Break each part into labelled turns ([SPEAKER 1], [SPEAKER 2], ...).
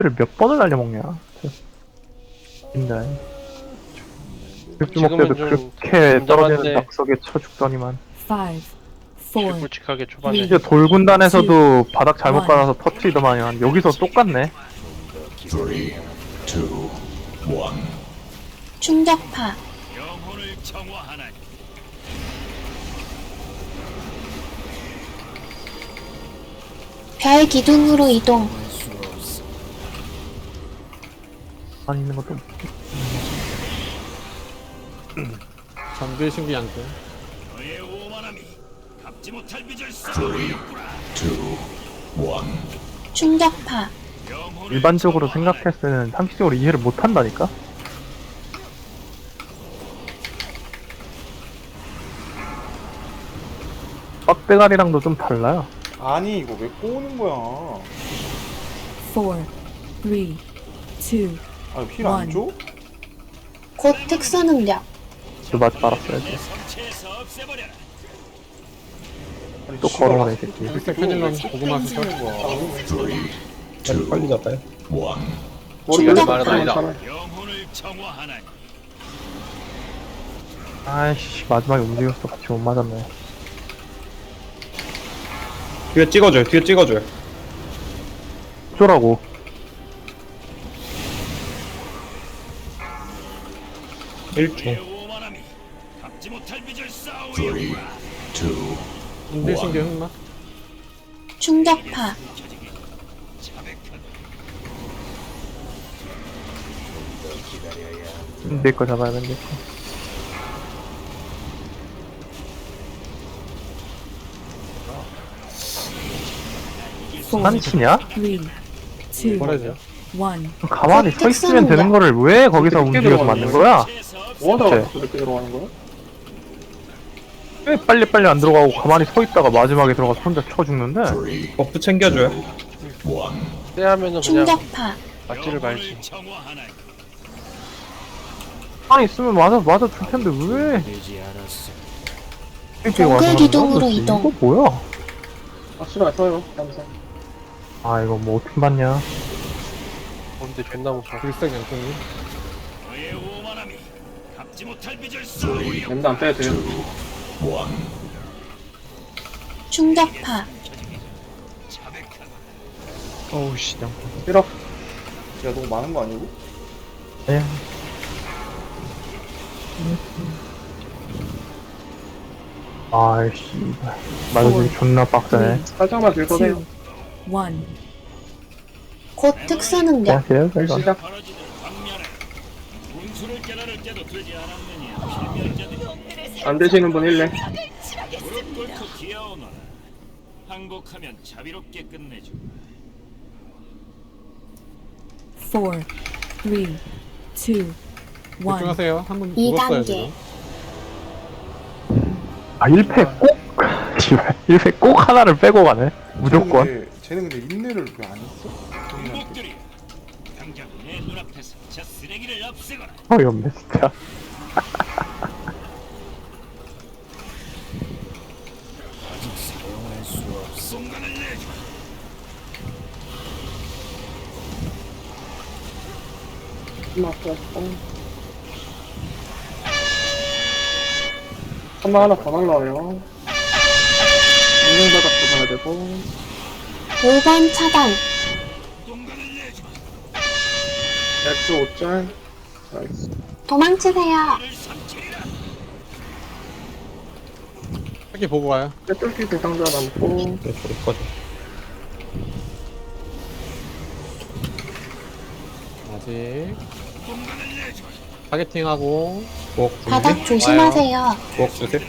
[SPEAKER 1] 를 몇 번을 날려먹냐. 근데 긁주먹 때도 그렇게 떨어지는 낙석에 쳐 죽더니만.
[SPEAKER 2] 5, 4,
[SPEAKER 3] 굵직굵직하게 초반에
[SPEAKER 1] 이제 돌군단에서도 바닥 잘못 깔아서 터트리더만요. 여기서 똑같네.
[SPEAKER 4] 3, 2, 1.
[SPEAKER 5] 충격파. 별 기둥으로 이동.
[SPEAKER 1] 안 있는 것도
[SPEAKER 6] 잠들 신기 양꾼.
[SPEAKER 4] 3, 2, 1.
[SPEAKER 5] 충격파.
[SPEAKER 1] 일반적으로 생각했을 때는 상식적으로 이해를 못한다니까? 빡대가리랑도 좀 달라요.
[SPEAKER 7] 아니 이거 왜 꼬는 거야?
[SPEAKER 2] 4, 3, 2,
[SPEAKER 7] 아 힐 안 줘?
[SPEAKER 5] 곧 특수 능력.
[SPEAKER 1] 그 맛 말았어야지.
[SPEAKER 7] 아니,
[SPEAKER 1] 또
[SPEAKER 7] 씨발,
[SPEAKER 1] 걸어가네, 이 새끼.
[SPEAKER 6] 일색 페닐런 고구마 수저.
[SPEAKER 4] 3, 2, 1.
[SPEAKER 8] 빨리 잡아요.
[SPEAKER 7] 머리가
[SPEAKER 5] 충격파.
[SPEAKER 7] 많잖아.
[SPEAKER 1] 아이씨, 마지막에 움직였어. 같이 못 맞았네.
[SPEAKER 8] 뒤에 찍어줘요. 뒤에 찍어줘요.
[SPEAKER 1] 어쩌라고.
[SPEAKER 8] 일초.
[SPEAKER 4] 3, 2, 1.
[SPEAKER 6] 잠들 신기 흑마.
[SPEAKER 5] 충격파.
[SPEAKER 1] 내 거 잡아야 돼, 내 거. 한치냐?
[SPEAKER 2] 3, 2,
[SPEAKER 6] 버려져.
[SPEAKER 2] 1.
[SPEAKER 1] 가만히 서 있으면 되는 거를 왜 거기서 움직여서 맞는 거야?
[SPEAKER 7] 뭐하다가
[SPEAKER 1] 네.
[SPEAKER 7] 그렇게 들어가는 거야?
[SPEAKER 1] 왜 빨리빨리 안 들어가고 가만히 서 있다가 마지막에 들어가서 혼자 쳐 죽는데?
[SPEAKER 4] 3, 2, 1.
[SPEAKER 8] 버프 챙겨줘요.
[SPEAKER 3] 떼하면은 그냥
[SPEAKER 5] 충격파.
[SPEAKER 3] 맞지를 말지.
[SPEAKER 1] 가만히 있으면 맞아 줄 텐데 왜? 이렇게 와서 하는
[SPEAKER 5] 기둥으로
[SPEAKER 1] 거야?
[SPEAKER 5] 이동.
[SPEAKER 1] 이거 뭐야?
[SPEAKER 7] 아 싫어 써요. 감사.
[SPEAKER 1] 아 이거 뭐 어떻게 봤냐?
[SPEAKER 3] 근데 존나 무서워.
[SPEAKER 6] 일색 양꾼이.
[SPEAKER 7] 랜드 안 빼도 돼요.
[SPEAKER 5] 충격파.
[SPEAKER 1] 어우 씨, 양.
[SPEAKER 7] 싫어. 야 너무 많은 거 아니고?
[SPEAKER 1] 예. 아이씨, 맞아주기 존나 빡세네.
[SPEAKER 7] 살짝만 들
[SPEAKER 2] 2,
[SPEAKER 7] 거세요.
[SPEAKER 2] 1.
[SPEAKER 5] 곧 특수 능력.
[SPEAKER 1] 그냥 돼요, 이거.
[SPEAKER 7] 시작. 안 되시는 분 1레.
[SPEAKER 9] 항복하면 자비롭게 끝내줘.
[SPEAKER 2] 4, 3, 2, 1.
[SPEAKER 6] 집중하세요. 한 분 죽었어요
[SPEAKER 5] 2단계.
[SPEAKER 6] 지금.
[SPEAKER 1] 아 1패 꼭? 씨발 1패 꼭 하나를 빼고 가네. 무조건.
[SPEAKER 7] 쟤는 근데 인내를 왜 안 했어?
[SPEAKER 9] 항복들이 당장 내 눈앞에서 저 쓰레기를 없애거라.
[SPEAKER 1] 어이없네 진짜.
[SPEAKER 9] 순간을 내줘.
[SPEAKER 7] 한번 하나 더 날라와요. 인생바닥도 가야 되고.
[SPEAKER 5] 5번 차단.
[SPEAKER 7] X 5짤. 나이스.
[SPEAKER 5] 도망치세요.
[SPEAKER 6] 새끼 보고 가요.
[SPEAKER 7] 떼뚫기 대상자 남고.
[SPEAKER 8] 네, 저리 꺼져.
[SPEAKER 6] 아직. 타겟팅하고.
[SPEAKER 8] 부엌
[SPEAKER 5] 바닥
[SPEAKER 8] 준비.
[SPEAKER 5] 조심하세요.
[SPEAKER 8] 부엌 주세요.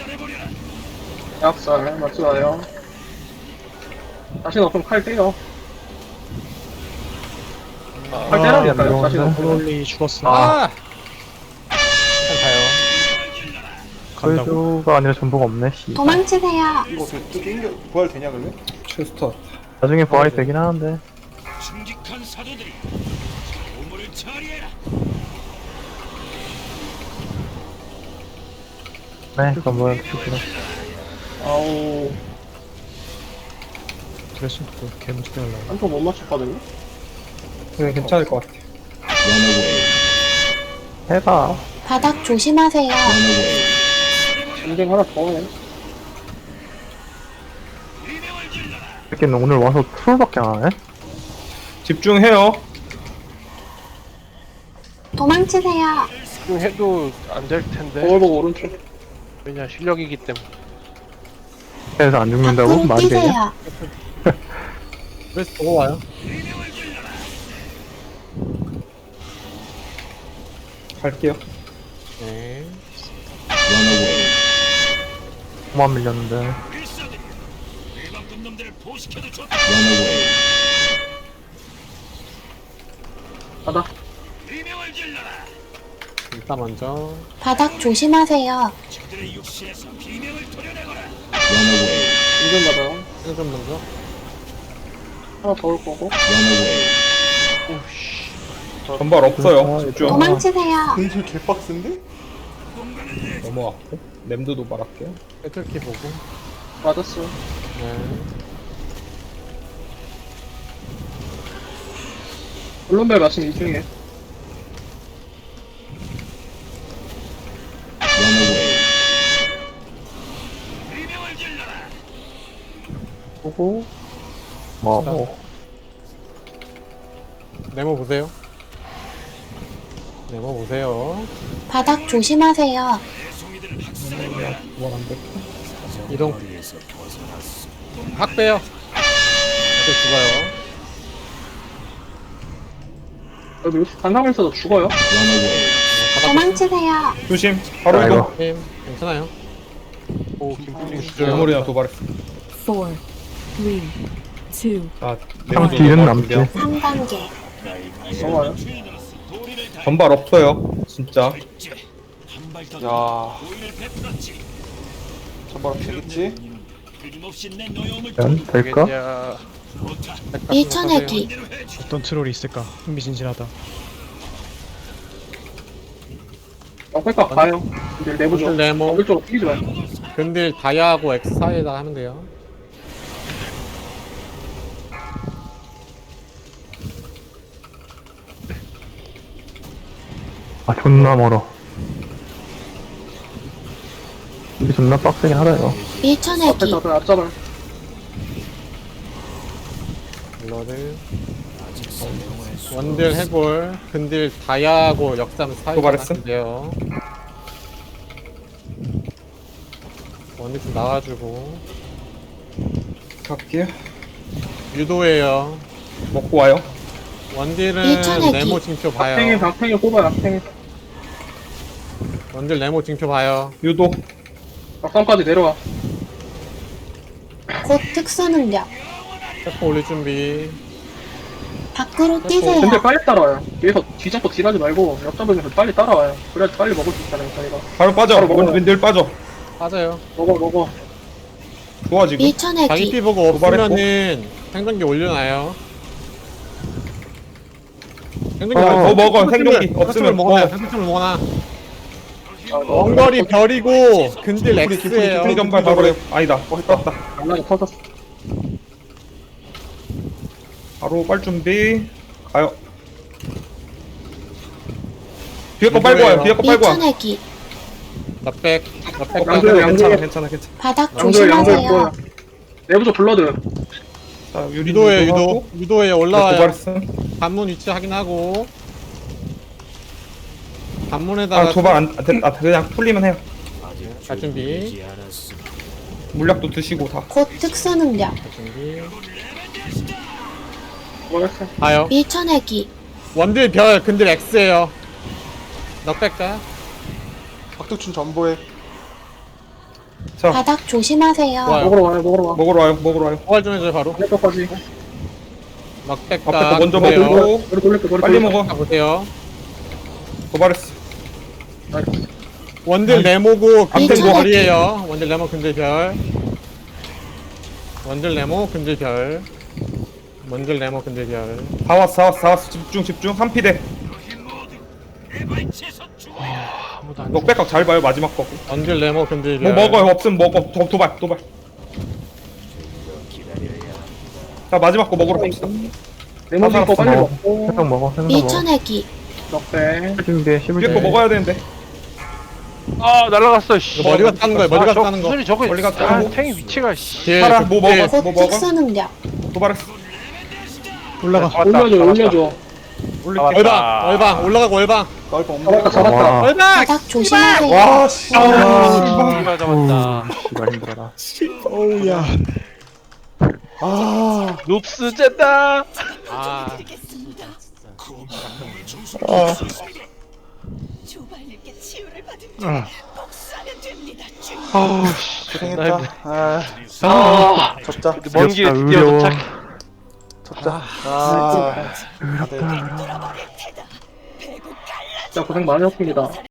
[SPEAKER 7] 약살 맞추나요? 자신 없으면 칼 때려. 칼 때라니까요. 자신 없으면.
[SPEAKER 1] 홀리 죽었어.
[SPEAKER 6] 아! 일단 가요. 간다고?
[SPEAKER 1] 그래도가 아니라 전부가 없네. 씨.
[SPEAKER 5] 도망치세요.
[SPEAKER 7] 이거 땡겨 부활 되냐 그러면?
[SPEAKER 8] 슈스터.
[SPEAKER 1] 나중에 부활이 되긴 하는데.
[SPEAKER 9] 징직한 사도들이 우물을 처리해라.
[SPEAKER 1] 네, 그럼 뭐야 죽구나.
[SPEAKER 7] 아우
[SPEAKER 8] 드레싱 또 개무지게 하려고.
[SPEAKER 7] 한통 못 맞췄거든요?
[SPEAKER 8] 네, 괜찮을 것 같아.
[SPEAKER 4] Runaway.
[SPEAKER 1] 해봐.
[SPEAKER 5] 바닥 조심하세요.
[SPEAKER 4] Runaway.
[SPEAKER 7] 인생 하나 더 해.
[SPEAKER 1] 새끼는 오늘 와서 트롤밖에 안 하네?
[SPEAKER 8] 집중해요.
[SPEAKER 5] 도망치세요.
[SPEAKER 3] 해도 안 될 텐데.
[SPEAKER 7] 거울 보고 오른쪽.
[SPEAKER 3] 왜냐 실력이기 때문에.
[SPEAKER 1] 그래서 안 죽는다고?
[SPEAKER 5] 밖으로
[SPEAKER 1] 말이 되냐?
[SPEAKER 5] 뛰세요.
[SPEAKER 6] 그래서 보고 와요.
[SPEAKER 8] 갈게요.
[SPEAKER 6] 네.
[SPEAKER 4] Runaway.
[SPEAKER 1] 그만 밀렸는데.
[SPEAKER 9] 필사들이 일반급 놈들을 포식해도 좋다.
[SPEAKER 4] Runaway.
[SPEAKER 7] 바닥.
[SPEAKER 9] 비명을 질러라.
[SPEAKER 6] 일단 먼저
[SPEAKER 5] 바닥 조심하세요.
[SPEAKER 9] 저들의 육신에서 비명을 토려내거라.
[SPEAKER 4] Runaway.
[SPEAKER 7] 인생 바닥.
[SPEAKER 6] 생존 먼저.
[SPEAKER 7] 하나 더 올 거고.
[SPEAKER 4] Runaway.
[SPEAKER 8] 전발 없어요. 집중.
[SPEAKER 5] 도망치세요.
[SPEAKER 7] 인생 개빡센데?
[SPEAKER 8] 넘어왔고. 램드 도발할게요.
[SPEAKER 6] 배틀키 보고.
[SPEAKER 7] 맞았어.
[SPEAKER 6] 네.
[SPEAKER 7] 물론별 말씀 이중에.
[SPEAKER 4] Runaway.
[SPEAKER 9] 비명을 질러라.
[SPEAKER 7] 보고.
[SPEAKER 1] 뭐,
[SPEAKER 6] 네모 보세요. 네모 보세요.
[SPEAKER 5] 바닥 조심하세요.
[SPEAKER 9] 송이들을 학살해거라.
[SPEAKER 8] 도발 안 돼.
[SPEAKER 6] 이동. 확 빼요. 또 죽어요.
[SPEAKER 7] 여기 단상에서도 죽어요.
[SPEAKER 4] Runaway.
[SPEAKER 5] 도망치세요.
[SPEAKER 8] 조심. 바로
[SPEAKER 1] 아이고.
[SPEAKER 8] 이동.
[SPEAKER 6] 힘 괜찮아요.
[SPEAKER 3] 오 김푸딩
[SPEAKER 8] 메모리나 도발했어.
[SPEAKER 2] 4, 3, 2,
[SPEAKER 8] 아,
[SPEAKER 1] 참
[SPEAKER 8] 램드
[SPEAKER 1] 뒤는
[SPEAKER 8] 도발
[SPEAKER 1] 남지.
[SPEAKER 8] 준비하고.
[SPEAKER 5] 3단계.
[SPEAKER 7] 넘어와요.
[SPEAKER 9] 주인으로서 도리를
[SPEAKER 8] 전발 없어요. 진짜.
[SPEAKER 9] 다했지. 한발더
[SPEAKER 7] 야,
[SPEAKER 9] 도리를 베풀었지.
[SPEAKER 7] 전바람 되겠지?
[SPEAKER 9] 끊임없이 내 노여움을
[SPEAKER 1] 면 될까?
[SPEAKER 3] 되겠냐.
[SPEAKER 9] 좋다.
[SPEAKER 5] 밀쳐내기.
[SPEAKER 9] 대로 해줘.
[SPEAKER 10] 어떤 트롤이 있을까? 흥미진진하다.
[SPEAKER 7] 옆에가 가요. 이제 내부죠.
[SPEAKER 6] 근딜 네모.
[SPEAKER 7] 오른쪽으로 뛰지 마요.
[SPEAKER 6] 근딜 다이아하고 X 사이에다 하면 돼요.
[SPEAKER 1] 아, 존나 멀어. 이게 존나 빡세긴 하다요.
[SPEAKER 5] 밀쳐내기.
[SPEAKER 7] 앞에 잡아요, 앞 잡아요.
[SPEAKER 6] 블러드. 원딜 해골. 근딜 다이아하고 역삼 사이에다
[SPEAKER 8] 도발했음?
[SPEAKER 6] 하면 돼요. 원딜 좀 나와주고.
[SPEAKER 8] 갈게요.
[SPEAKER 6] 유도예요.
[SPEAKER 8] 먹고 와요.
[SPEAKER 6] 원딜은
[SPEAKER 5] 밀쳐내기.
[SPEAKER 6] 네모 징표
[SPEAKER 7] 박팽이,
[SPEAKER 6] 봐요.
[SPEAKER 7] 박팽이 뽑아요, 박팽이.
[SPEAKER 6] 원딜 네모 징표 봐요.
[SPEAKER 8] 유도.
[SPEAKER 7] 막상까지 내려와.
[SPEAKER 5] 곧 특수 능력.
[SPEAKER 6] 세포 올릴 준비.
[SPEAKER 5] 밖으로
[SPEAKER 7] 근데
[SPEAKER 5] 뛰세요.
[SPEAKER 7] 빨리 따라와요. 뒤에서 뒤잡고 딜하지 말고 옆잡으면서 빨리 따라와요. 그래야지 빨리 먹을 수 있잖아요, 저희가.
[SPEAKER 8] 바로 빠져.
[SPEAKER 7] 바로 먹어요.
[SPEAKER 8] 늘 빠져.
[SPEAKER 6] 빠져요.
[SPEAKER 7] 먹어.
[SPEAKER 8] 좋아 지금.
[SPEAKER 6] 자기
[SPEAKER 5] 밀쳐내기.
[SPEAKER 6] 피 보고
[SPEAKER 8] 도발했고.
[SPEAKER 6] 없으면은 생존기 올려놔요. 생존기
[SPEAKER 8] 더 먹어. 생존기 없으면
[SPEAKER 6] 먹어놔요.
[SPEAKER 8] 먹어.
[SPEAKER 6] 생존을 먹어놔.
[SPEAKER 7] 아,
[SPEAKER 6] 원거리 별이고 근딜 X예요.
[SPEAKER 8] 기프리 전발 바로 해요. 아니다. 떴다.
[SPEAKER 7] 장난이 터졌어.
[SPEAKER 8] 바로 빨 준비. 가요. 뒤에 거 빨고 와요. 뒤에 거 빨고 와.
[SPEAKER 5] 밀쳐내기.
[SPEAKER 6] 나백
[SPEAKER 7] 양조요,
[SPEAKER 6] 가세요.
[SPEAKER 7] 양조요.
[SPEAKER 8] 괜찮아.
[SPEAKER 5] 바닥
[SPEAKER 7] 양조에
[SPEAKER 5] 조심하세요.
[SPEAKER 7] 보여. 내부조 블러드.
[SPEAKER 8] 자,
[SPEAKER 6] 유도에 유도에 올라와요.
[SPEAKER 8] 도발했음.
[SPEAKER 6] 관문 위치 확인하고 관문에다가
[SPEAKER 8] 아, 도발 그냥 풀리면 해요.
[SPEAKER 6] 갈 준비.
[SPEAKER 8] 물약도 드시고 다.
[SPEAKER 5] 곧 특수 능력.
[SPEAKER 6] 갈 준비.
[SPEAKER 7] 뭐였어?
[SPEAKER 6] 가요.
[SPEAKER 5] 밀쳐내기.
[SPEAKER 6] 원딜 별 근딜 X예요. 넉백가.
[SPEAKER 7] 박덕춘 전보에.
[SPEAKER 8] 자,
[SPEAKER 5] 바닥 조심하세요.
[SPEAKER 6] 좋아요.
[SPEAKER 7] 먹으러 와요.
[SPEAKER 8] 먹으러 와요.
[SPEAKER 6] 포괄 좀 해줘요 바로.
[SPEAKER 7] 내거까지.
[SPEAKER 6] 넉백가.
[SPEAKER 8] 앞에 거 먼저
[SPEAKER 6] 보세요.
[SPEAKER 8] 먹고
[SPEAKER 7] 머리 돌릴게, 머리
[SPEAKER 8] 빨리
[SPEAKER 7] 돌릴게.
[SPEAKER 8] 먹어.
[SPEAKER 6] 자, 보세요.
[SPEAKER 8] 도발했어.
[SPEAKER 7] 나이스.
[SPEAKER 6] 원딜 네모고 근딜
[SPEAKER 5] 밀쳐내기.
[SPEAKER 6] 별이에요. 원딜 네모 근딜 별. 원딜 네모 근딜 별. 원딜 네모 근딜 별.
[SPEAKER 8] 다 왔어. 집중. 한 피대.
[SPEAKER 9] 대발치에서 죽어.
[SPEAKER 6] 아무도 안.
[SPEAKER 8] 넉백각 잘 봐요. 마지막 거.
[SPEAKER 6] 원딜 네모 근딜
[SPEAKER 8] 뭐
[SPEAKER 6] 별.
[SPEAKER 8] 먹어요. 없으면 먹어. 도발. 자, 마지막 거 먹으러 갑시다.
[SPEAKER 7] 네모지 거 빨리
[SPEAKER 8] 먹어.
[SPEAKER 7] 먹고
[SPEAKER 1] 생선 먹어, 생선 먹어.
[SPEAKER 5] 밀쳐내기.
[SPEAKER 7] 넉배
[SPEAKER 1] 준비해, 씹을
[SPEAKER 8] 뒤에 거
[SPEAKER 1] 때.
[SPEAKER 8] 먹어야 되는데.
[SPEAKER 3] 아 날라갔어 씨.
[SPEAKER 6] 이거 머리가 따는 거야, 머리가 따는 거.
[SPEAKER 3] 소리 저거
[SPEAKER 8] 머리가
[SPEAKER 3] 아
[SPEAKER 8] 따고.
[SPEAKER 3] 탱이 위치가 씨.
[SPEAKER 6] 뒤에
[SPEAKER 8] 살아. 뭐 먹어?
[SPEAKER 5] 곧
[SPEAKER 8] 뭐 먹어?
[SPEAKER 5] 특수 능력.
[SPEAKER 8] 도발했어.
[SPEAKER 10] 올라가.
[SPEAKER 7] 올려줘 올려줘
[SPEAKER 8] 올릴게.
[SPEAKER 6] 얼방 올라가고 얼방.
[SPEAKER 7] 잡았다 잡았다
[SPEAKER 1] 와,
[SPEAKER 6] 얼방.
[SPEAKER 5] 바닥 조심하세요.
[SPEAKER 8] 와, 씨.
[SPEAKER 3] 씨발 잡았다.
[SPEAKER 1] 씨발 힘들어라.
[SPEAKER 10] 어우야.
[SPEAKER 3] 눕스 쨌다. 아
[SPEAKER 2] 조발님께 치유를 받은 복수하면 됩니다.
[SPEAKER 3] 아우 씨.
[SPEAKER 11] 고생했다.
[SPEAKER 7] 아
[SPEAKER 11] 접자.
[SPEAKER 3] 먼 길에
[SPEAKER 1] 의료.
[SPEAKER 3] 드디어 도착.
[SPEAKER 11] 접자. 아.
[SPEAKER 7] 진짜 고생 많으셨습니다